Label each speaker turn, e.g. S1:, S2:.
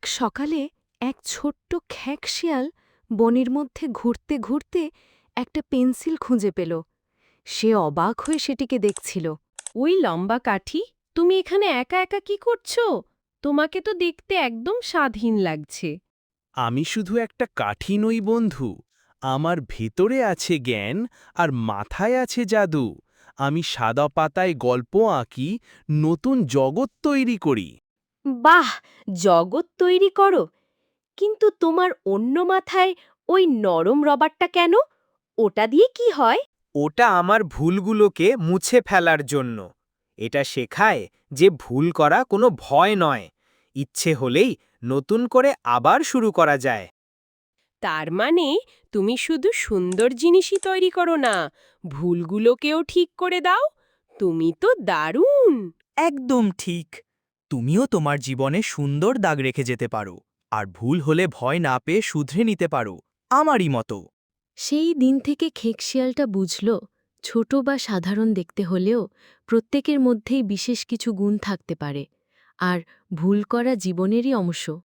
S1: সকালে এক ছোট্ট খ্যাঁক বনের মধ্যে ঘুরতে ঘুরতে একটা পেন্সিল খুঁজে পেল। সে অবাক হয়ে সেটিকে দেখছিল।
S2: ওই লম্বা কাঠি, তুমি এখানে একা একা কি করছো? তোমাকে তো দেখতে একদম স্বাধীন লাগছে।
S3: আমি শুধু একটা কাঠি নই বন্ধু, আমার ভেতরে আছে জ্ঞান আর মাথায় আছে জাদু। আমি সাদা পাতায় গল্প আঁকি, নতুন জগৎ তৈরি করি।
S2: বাহ, জগৎ তৈরি করো, কিন্তু তোমার অন্য মাথায় ওই নরম রবারটা কেন? ওটা দিয়ে কি হয়?
S4: ওটা আমার ভুলগুলোকে মুছে ফেলার জন্য। এটা শেখায় যে ভুল করা কোনো ভয় নয়, ইচ্ছে হলেই নতুন করে আবার শুরু করা যায়।
S2: তার মানে তুমি শুধু সুন্দর জিনিসই তৈরি করো না, ভুলগুলোকেও ঠিক করে দাও। তুমি তো দারুণ।
S5: একদম ঠিক। তুমিও তোমার জীবনে সুন্দর দাগ রেখে যেতে পারো, আর ভুল হলে ভয় না পেয়ে শুধরে নিতে পারো, আমারই মতো।
S1: সেই দিন থেকে খেকশিয়ালটা বুঝল, ছোট বা সাধারণ দেখতে হলেও প্রত্যেকের মধ্যেই বিশেষ কিছু গুণ থাকতে পারে, আর ভুল করা জীবনেরই অংশ।